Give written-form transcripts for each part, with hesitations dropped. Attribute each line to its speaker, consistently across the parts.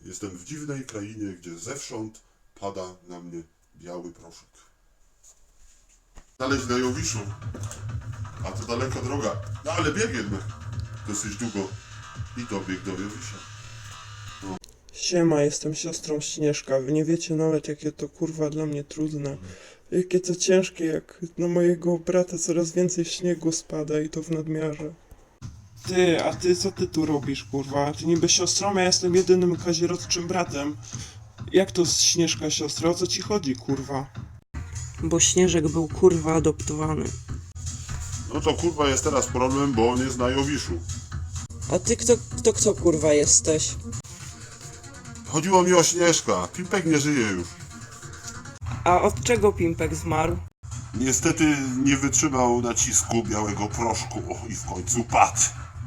Speaker 1: Jestem w dziwnej krainie, gdzie zewsząd pada na mnie biały proszek. Znaleźć na Jowiszu, a to daleka droga, no ale biegiem dosyć długo i dobiegł do Jowisza.
Speaker 2: Siema, jestem siostrą Śnieżka. Wy nie wiecie nawet, jakie to kurwa dla mnie trudne. Jakie to ciężkie, jak na mojego brata coraz więcej śniegu spada i to w nadmiarze. A ty co ty tu robisz, kurwa? Ty niby siostrą, ja jestem jedynym kazirodczym bratem. Jak to z Śnieżka siostra? O co ci chodzi, kurwa? Bo Śnieżek był kurwa adoptowany.
Speaker 1: No to kurwa jest teraz problem, bo on jest na Jowiszu.
Speaker 2: A ty kto kurwa jesteś?
Speaker 1: Chodziło mi o Śnieżka, Pimpek nie żyje już.
Speaker 2: A od czego Pimpek zmarł?
Speaker 1: Niestety nie wytrzymał nacisku białego proszku i w końcu padł.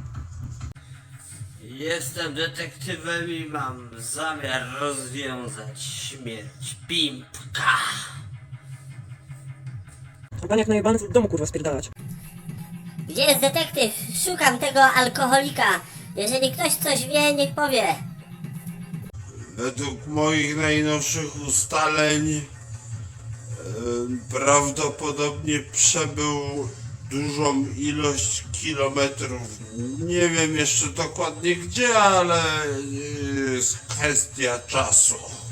Speaker 3: Jestem detektywem i mam zamiar rozwiązać śmierć Pimpka.
Speaker 2: A pan jak najebany w domu kurwa spierdalać.
Speaker 4: Gdzie jest detektyw? Szukam tego alkoholika. Jeżeli ktoś coś wie, niech powie.
Speaker 5: Według moich najnowszych ustaleń prawdopodobnie przebył dużą ilość kilometrów. Nie wiem jeszcze dokładnie gdzie, ale jest kwestia czasu.